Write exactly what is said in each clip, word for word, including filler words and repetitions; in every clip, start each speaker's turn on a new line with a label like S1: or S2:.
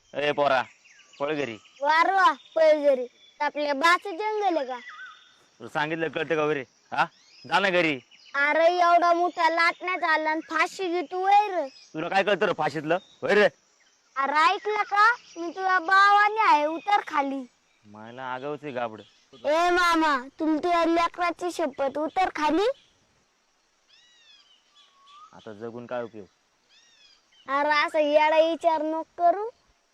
S1: ए पोरा पळ घरी.
S2: वारवा पैजरी आपल्या बाच जंगल आहे का?
S1: तुला सांगितलं कळतं का वगैरे? हा जा ना घरी.
S2: अरे एवढा मोठा लाटण्यात आला आणि फाशी घेतो वैर.
S1: तुला काय कळतं रे फाशीतलं वैर?
S2: अरे ऐकलं का? मी तुझ्या भावाने आहे उतर खाली.
S1: मला आगावच आहे गाबड.
S2: ए मामा तुला तुझ्या लेकराची शपथ उतर खाली.
S1: आता जगून काय उपयोग?
S2: अरे असं येडा विचार नको करू.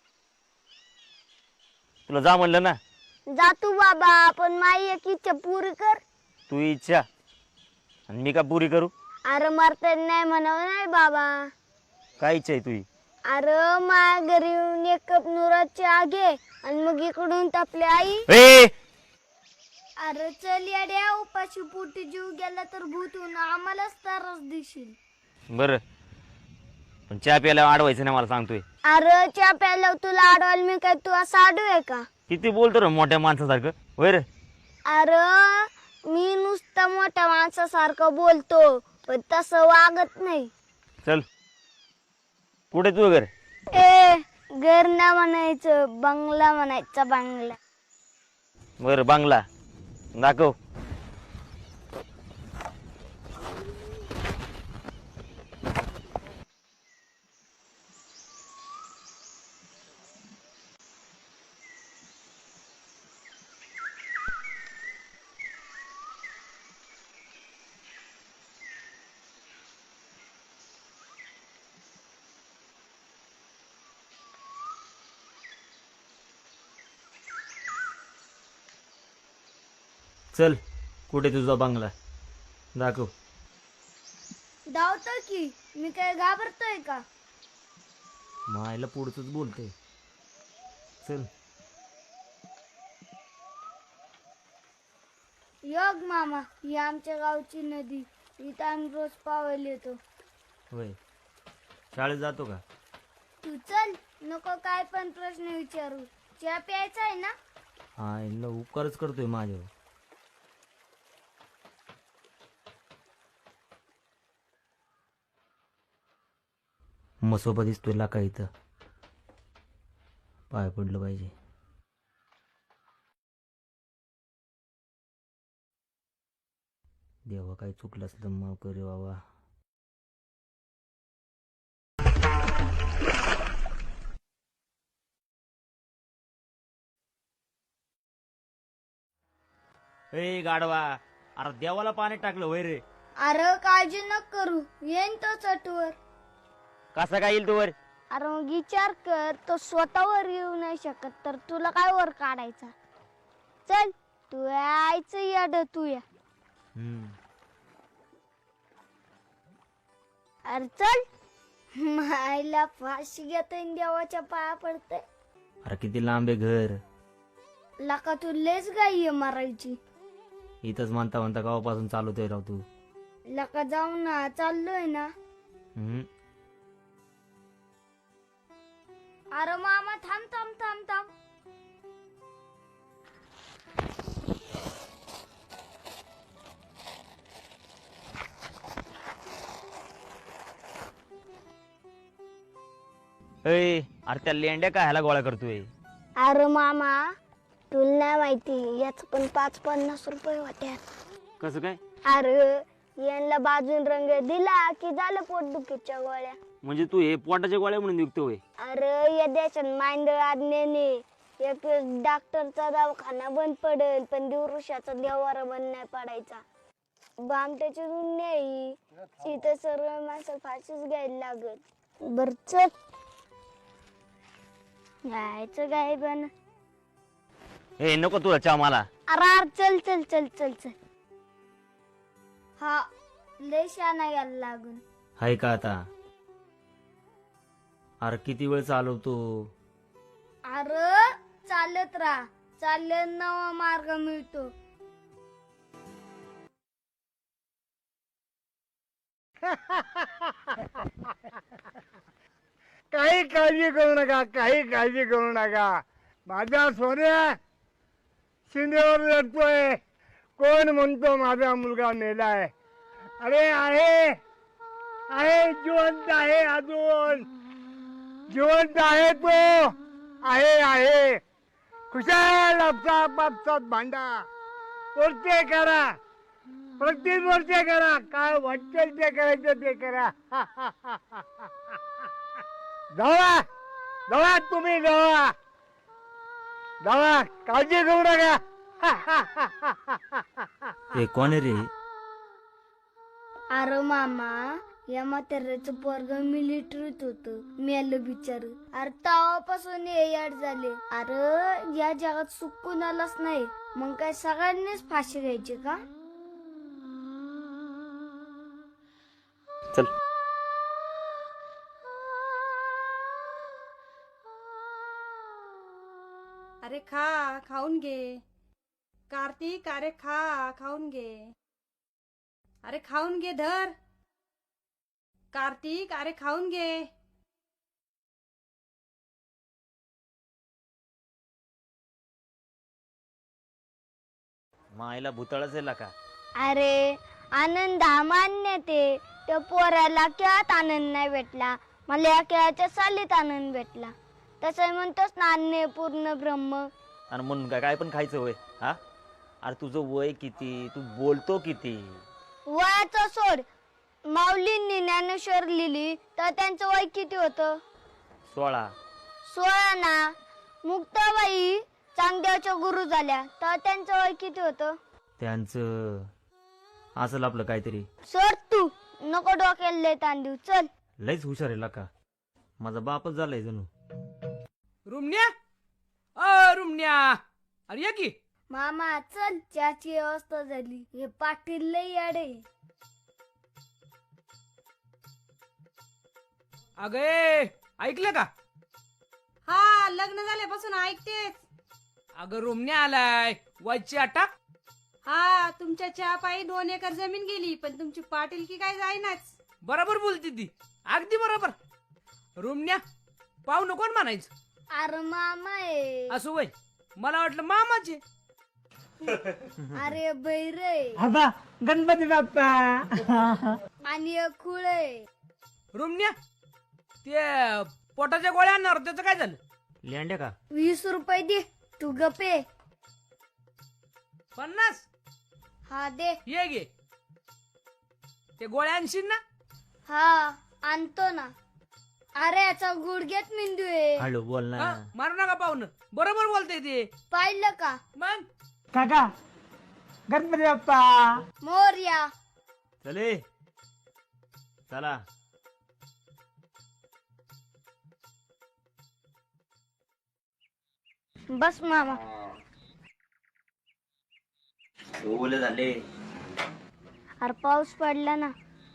S1: तुला जा म्हणलं ना.
S2: जा तू बाबा पण माझी एक इच्छा पुरी कर.
S1: तू इच्छा आणि मी का पुरी करू?
S2: अरे मरता नाही म्हणावं नाही बाबा.
S1: काय इच्छा आहे तुझी?
S2: अरे माझ्या घरी येऊन एक कप नुराची आगे आणि मग इकडून आपली आई.
S1: ए
S2: अरे चल येड्या उपाशी पोटी जीव गेला तर भूतून आम्हालाच त्रास देशील.
S1: बर पण चहा प्यायला अडवायचं नाही मला सांगतोय.
S2: अरे चहा प्यायला तुला अडवाल मी काय तू असं आडू आहे का?
S1: किती बोलतो रे मोठ्या माणसासारखं वैर?
S2: अरे मी नुसतं मोठ्या माणसासारखं बोलतो पण तसं वागत नाही.
S1: चल कुठे तू घर?
S2: ए घर ना म्हणायचं बंगला म्हणायचा बंगला.
S1: बर बांगला दाखव. चल कुठे तुझा बांगला दाखव.
S2: धावतो की मी काय घाबरतोय का?
S1: मायला पुढचंच बोलतोय. चल
S2: योग मामा ही आमच्या गावची नदी. इथं आम्ही रोज पावायला येतो.
S1: होय शाळेत जातो का?
S2: तू चल नको काय पण प्रश्न विचारू. चहा प्यायचा आहे ना?
S1: हा यांना उपकारच करतोय माझ्यावर. मसोबा दिसतोय लाका इथं. पाय पडलं पाहिजे. देवा काय चुकलं असलं माफ करे बाबा. ए गाडवा अरे देवाला पाणी टाकलं वय रे.
S2: अरे काळजी न करू येईन तो चटवर.
S1: कसा काय येईल तू वर?
S2: अरे मग विचार कर तो स्वतःवर येऊ नाही शकत तर तुला काय वर काढायचा. चल तू यायचं याड तू या. अरे चल मायला फाशी घेतोय देवाच्या पाया पडतय.
S1: अरे किती लांब आहे घर.
S2: लका तू लेच गाई मारायची.
S1: इथंच म्हणता म्हणता गावापासून चालवतोय राव तू.
S2: लका जाऊ ना चाललोय ना.
S1: हम्म
S2: अरे मामा थांब थांब थांब थांब.
S1: ए अरे त्या लेंड्या काय ह्याला गोळा करतोय?
S2: अरे मामा तुला नाही माहिती याच पण पाच पन्नास रुपये होत्या.
S1: कसं काय?
S2: अरे यांना बाजून रंग दिला की झालं पोटदुखीच्या गोळ्या.
S1: म्हणजे तू हे पोटाच्या गोळ्या म्हणून विकतोय?
S2: अरे या देशात मांडळ आज्ञेने एक डॉक्टरचा दवाखाना बंद पडेल पण दिवृषाचा देवारा बंद नाही पडायचा. बामट्याची दुनिया ही इथं सर्व माणसं फाशीच घ्यायला लागत. बर चल जायचं काय पण.
S1: ए नको तुला चहा मला.
S2: अरे अरे चल चल चल चल चल. हा लय शाना यायला लागून.
S1: हाय का आता? अरे किती वेळ चालवतो?
S2: अरे चालत राहा चालत नवा मार्ग मिळतो.
S3: काही काळजी करू नका काही काळजी करू नका. माझा सोन्या शिंदेवर लढतोय. कोण म्हणतो माझा मुलगा मेलाय? अरे आहे आहे जिवंत आहे अजून जिवंत आहे तो. आहे आहे खुशाल आपसात भांडा वरते करा प्रत्येक वरते करा काय वाटेल ते करायचं ते करा जावा जावा तुम्ही जावा जावा काळजी घेऊ नका
S1: हे कोण आहे रे?
S2: अरे मामा या म्हाताऱ्याचं पोरग मिलिटरीत होत मेलं बिचार. अरे तेव्हापासून हे याड झाले. अरे या जगात सुख कुणालाच नाही, मग काय सगळ्यांनीच फाशी घ्यायची का?
S1: चल.
S4: अरे खा खाऊन घे कार्तिक. अरे खा खाऊन घे. अरे खाऊन घे धर कार्तिक. अरे खाऊन घे.
S1: मायला भूतळच आहे का?
S2: अरे आनंद हा मान्य ते त्या पोराला खेळात आनंद नाही भेटला, मला या खेळाच्या सालीत आनंद भेटला. तसं म्हणतोस ना अन्य पूर्ण ब्रह्म.
S1: आणि म्हणून काय काय पण खायचं होय? हा अरे तुझं वय किती, तू बोलतो किती?
S2: वयाचं सोड. माऊलींनी ज्ञानेश्वर लिहिली तर त्यांचं वय किती होतं?
S1: सोळा.
S2: सोळा ना. मुक्ताबाई चांगदेवाच्या गुरु झाल्या तर त्यांचं वय किती होतं?
S1: त्यांचं असेल आपलं काहीतरी.
S2: सोड तू, नको डोक्याला लय ताण देऊ. चल.
S1: लयच हुशार आहे का? माझा बापच झालाय जणू.
S5: रुमण्या अ रुमण्या अरे या की.
S2: मामा चल, चहाची व्यवस्था झाली. हे पाटील लय याडे.
S5: अगे ऐकलं का?
S4: हा लग्न झाल्यापासून ऐकतेच.
S5: अगं रुमण्या आलाय वाजची आटा.
S4: हा तुमच्या चहा पायी दोन एकर जमीन गेली, पण तुमची पाटीलकी काय जाईनाच.
S5: बरोबर बोलती ती, अगदी बरोबर. रुमण्या पाहू नको म्हणायचं.
S2: अरे मामा आहे.
S5: असं वय मला वाटलं मामाचे.
S2: अरे बैरे
S3: आता गणपती बाप्पा
S2: आणि एक खुळ आहे.
S5: रुमण्या ते पोटाच्या गोळ्या आणणार त्याचं काय झालं?
S1: लेंड्या का?
S2: वीस रुपये दे. तू गपे.
S5: पन्नास
S2: हा दे.
S5: ये गे. ते गोळ्या आणशील ना?
S2: हा आणतो ना. अरे याचा गुडघ्यात मेंदू आहे.
S1: हळू बोल ना.
S5: हा, मारू नका पाहुणं. बरोबर बोलते ते.
S2: पाहिलं का?
S5: मग
S3: काका गणपती बाप्पा
S2: मोरया.
S1: चले चला.
S2: बस मामा.
S1: ओले झाले.
S2: अरे पाऊस पडला ना.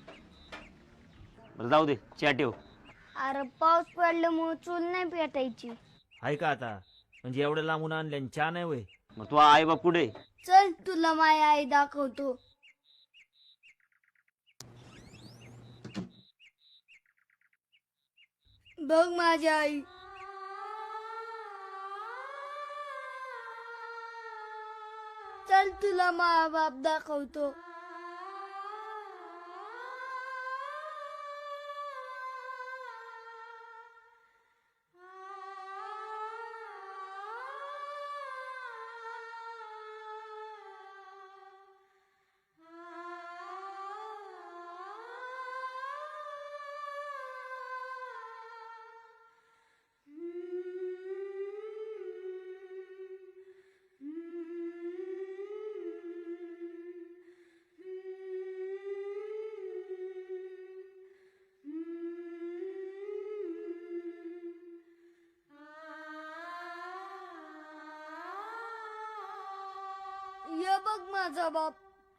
S1: बरं जाऊ दे, चहा ठेव.
S2: अरे पाऊस पडल्यामुळे चूल नाही पेटायची.
S1: आहे का आता? म्हणजे एवढं लांबून आणले आणि चहा नाही होय? मग तू आई बाप कुठे?
S2: चल तुला माझी आई दाखवतो. बघ माझी आई. चल तुला मा बाप दाखवतो. ये बघ माझा बाप.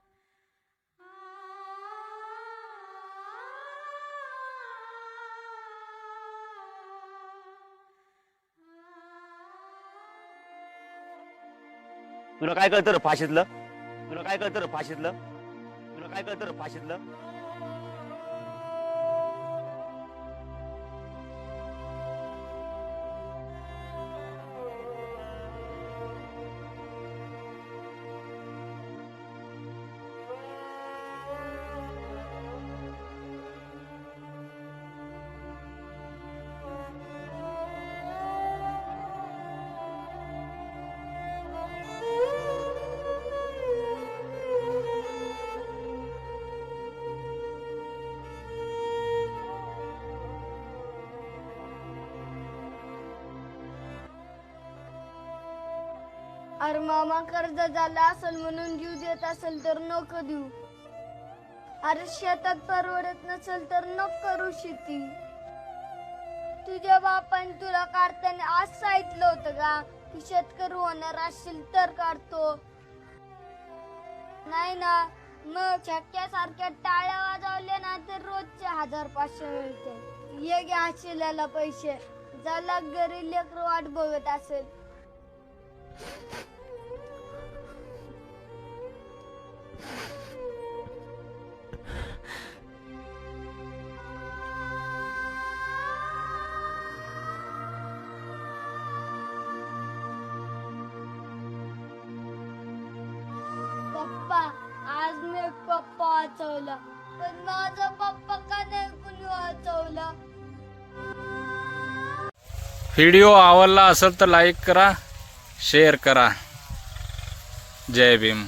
S1: तुला काय कळतं रे फाशीतलं? तुला काय कळतं रे फाशीतलं? तुला काय कळतं रे फाशीतलं?
S2: अरे मामा कर्ज झालं असेल म्हणून जीव देत असेल तर नको देऊ. अरे शेतात परवडत नसेल तर नको करू शेती. तुझ्या बापाने तुला काढताना आज सांगितलं होतं का की शेतकरी होणार असेल तर काढतो, नाही ना? मग छक्क्यासारख्या टाळ्या वाजवल्या ना तर रोजचे हजार पाचशे मिळते. ये घ्या शिल्याला पैसे, ज्याला घरी लेकर वाट बघत असेल. पप्पा, आज मी एक पप्पा वाचवला, पण माझा पप्पा का नाही कुणी वाचवला?
S6: व्हिडिओ आवडला असेल तर लाईक करा, शेअर करा. जय भीम.